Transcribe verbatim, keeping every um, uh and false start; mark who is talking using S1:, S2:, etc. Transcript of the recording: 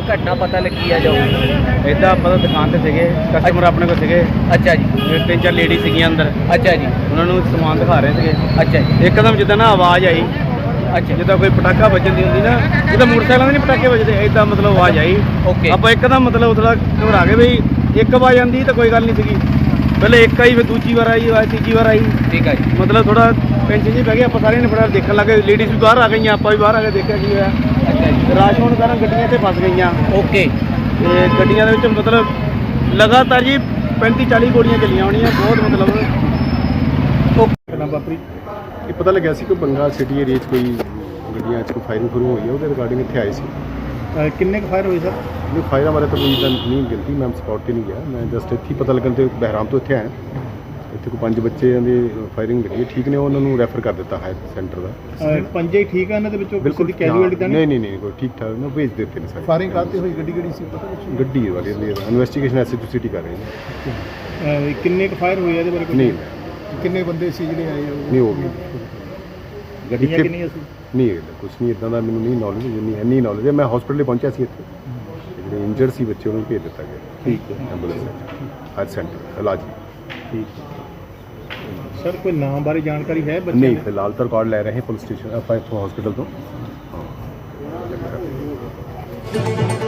S1: ਘਟਨਾ ਪਤਾ ਲੱਗੀ ਆ ਜੋ
S2: ਇੱਦਾਂ ਆਪਾਂ ਤਾਂ ਦੁਕਾਨ ਤੇ ਸੀਗੇ, ਕਸਟਮਰ ਆਪਣੇ ਕੋਲ ਸੀਗੇ,
S1: ਅੱਛਾ ਜੀ,
S2: ਤੇ ਤਿੰਨ ਚਾਰ ਲੇਡੀ ਸੀਗੀਆਂ ਅੰਦਰ,
S1: ਅੱਛਾ ਜੀ,
S2: ਉਹਨਾਂ ਨੂੰ ਸਮਾਨ ਦਿਖਾ ਰਹੇ ਸੀਗੇ।
S1: ਅੱਛਾ ਜੀ,
S2: ਇੱਕਦਮ ਜਿੱਦਾਂ ਨਾ ਆਵਾਜ਼ ਆਈ,
S1: ਅੱਛਾ
S2: ਜਿੱਦਾਂ ਕੋਈ ਪਟਾਕਾ ਵੱਜਣ ਦੀ ਹੁੰਦੀ ਨਾ, ਜਿੱਦਾਂ ਮੋਟਰਸਾਈਕਲਾਂ ਦੇ ਨਹੀਂ ਪਟਾਕੇ ਵੱਜਦੇ, ਇੱਦਾਂ ਮਤਲਬ ਆਵਾਜ਼ ਆਈ।
S1: ਓਕੇ,
S2: ਆਪਾਂ ਇੱਕਦਮ ਮਤਲਬ ਥੋੜਾ ਘਬਰਾ ਗਏ ਵੀ ਇੱਕ ਆਵਾਜ਼ ਆਉਂਦੀ ਤਾਂ ਕੋਈ ਗੱਲ ਨਹੀਂ ਸੀਗੀ, ਪਹਿਲੇ ਇੱਕ ਆਈ ਫਿਰ ਦੂਜੀ ਵਾਰ ਆਈ, ਆਵਾਜ਼ ਤੀਜੀ ਵਾਰ ਆਈ,
S1: ਠੀਕ ਹੈ ਜੀ,
S2: ਮਤਲਬ ਥੋੜਾ ਟੈਨਸ਼ਨ ਜੀ ਪੈ ਗਈ। ਆਪਾਂ ਸਾਰਿਆਂ ਨੇ ਫਟਾਫਟ ਦੇਖਣ ਲੱਗੇ, ਲੇਡੀਜ਼ ਵੀ ਬਾਹਰ ਆ ਗਈਆਂ, ਆਪਾਂ ਵੀ ਬਾਹਰ ਆ ਕੇ ਦੇਖਿਆ ਕੀ ਹੋਇਆ।
S1: ਅੱਛਾ ਜੀ,
S2: ਰਾਸ਼ ਹੋਣ ਕਾਰਨ ਗੱਡੀਆਂ ਇੱਥੇ ਫਸ ਗਈਆਂ,
S1: ਓਕੇ,
S2: ਤੇ ਗੱਡੀਆਂ ਦੇ ਵਿੱਚ ਮਤਲਬ ਲਗਾਤਾਰ ਜੀ ਪੈਂਤੀ ਚਾਲੀ ਗੋਲੀਆਂ ਚੱਲੀਆਂ ਹੋਣੀਆਂ, ਬਹੁਤ ਮਤਲਬ
S3: ਘਟਨਾ ਵਾਪਰੀ ਇਹ ਪਤਾ ਲੱਗਿਆ ਸੀ ਕਿ ਬੰਗਾ ਸਿਟੀ ਏਰੀਆ 'ਚ ਕੋਈ ਗੱਡੀਆਂ 'ਚ ਕੋਈ ਫਾਇਰਿੰਗ ਸ਼ੁਰੂ ਹੋਈ ਹੈ, ਉਹਦੇ ਰਿਗਾਰਡਿੰਗ ਇੱਥੇ ਆਏ ਸੀ।
S4: ਕਿੰਨੇ ਕੁ ਫਾਇਰ ਹੋਏ ਸਰ?
S3: ਨਹੀਂ ਫਾਇਰਾਂ ਬਾਰੇ ਤਾਂ ਕੋਈ ਤਾਂ ਨਹੀਂ ਗਿਣਤੀ, ਮੈਂ ਸਪੌਟ 'ਤੇ ਨਹੀਂ ਗਿਆ, ਮੈਂ ਜਸਟ ਇੱਥੇ ਹੀ ਪਤਾ ਲੱਗਣ ਤੇ ਬਹਿਰਾਮ ਤੋਂ ਇੱਥੇ ਆਇਆ। ਇੱਥੇ ਕੋਈ ਪੰਜ ਬੱਚਿਆਂ ਦੀ ਫਾਇਰਿੰਗ ਲੱਗੀ, ਠੀਕ ਨੇ, ਉਹਨਾਂ ਨੂੰ ਰੈਫਰ ਕਰ ਦਿੱਤਾ ਹਾਇਰ ਸੈਂਟਰ ਦਾ।
S4: ਪੰਜੇ ਹੀ ਠੀਕ ਆ, ਇਹਨਾਂ ਦੇ ਵਿੱਚੋਂ ਕਿਸੇ ਦੀ
S3: ਹਾਂ,
S4: ਕੈਜੂਅਲਟੀ ਤਾਂ
S3: ਨਹੀਂ ਨਹੀਂ ਨਹੀਂ ਕੋਈ ਠੀਕ ਠਾਕ ਨਾ ਭੇਜ ਦਿੱਤੇ ਨੇ ਸਾਰੇ।
S4: ਫਾਇਰਿੰਗ ਕਰਤੇ ਹੋਈ ਗੱਡੀ ਕਿਹੜੀ ਸੀ ਪਤਾ ਕੁਛ?
S3: ਗੱਡੀ ਵਾਲੇ ਦੀ investigation S H O city ਕਰ ਰਹੇ ਨੇ।
S4: ਅਹ ਕਿੰਨੇ ਕੁ ਫਾਇਰ ਹੋਏ ਇਹਦੇ ਬਾਰੇ ਕੁਛ?
S3: ਨਹੀਂ
S4: ਕਿੰਨੇ ਬੰਦੇ ਸੀ ਜਿਹੜੇ ਆਏ ਉਹ?
S3: ਨਹੀਂ ਹੋ ਗਈ
S4: ਗੱਡੀਆਂ
S3: ਇੱਥੇ-
S4: ਕਿੰਨੀਆਂ ਸੀ?
S3: ਨਹੀਂ ਕੁਛ ਨਹੀਂ ਇੱਦਾਂ ਦਾ ਮੈਨੂੰ ਨਹੀਂ ਨੌਲੇਜ, ਜਿੰਨੀ ਇੰਨੀ ਨੌਲੇਜ ਹੈ। ਮੈਂ ਹਸਪੀਟਲ ਪਹੁੰਚਿਆ ਸੀ, ਇੱਥੇ ਜਿਹੜੇ ਇੰਜਰਡ ਸੀ ਬੱਚੇ ਉਹਨਾਂ ਨੂੰ ਭੇਜ ਦਿੱਤਾ ਗਿਆ।
S4: ਠੀਕ ਹੈ,
S3: ਐਂਬੂਲੈਂਸ ਹਾਇਰ ਸੈਂਟਰ ਇਲਾਜ।
S4: ਠੀਕ ਹੈ। ਸਰ ਕੋਈ ਨਾਮ ਬਾਰੇ ਜਾਣਕਾਰੀ ਹੈ ਬੱਚੇ
S3: ਨਹੀਂ
S4: ਦੀ?
S3: ਫਿਲਹਾਲ ਤਾਂ ਰਿਕਾਰਡ ਲੈ ਰਹੇ ਪੁਲਿਸ ਸਟੇਸ਼ਨ ਆਪਾਂ ਇੱਥੋਂ ਹਸਪੀਟਲ ਤੋਂ। ਹਾਂ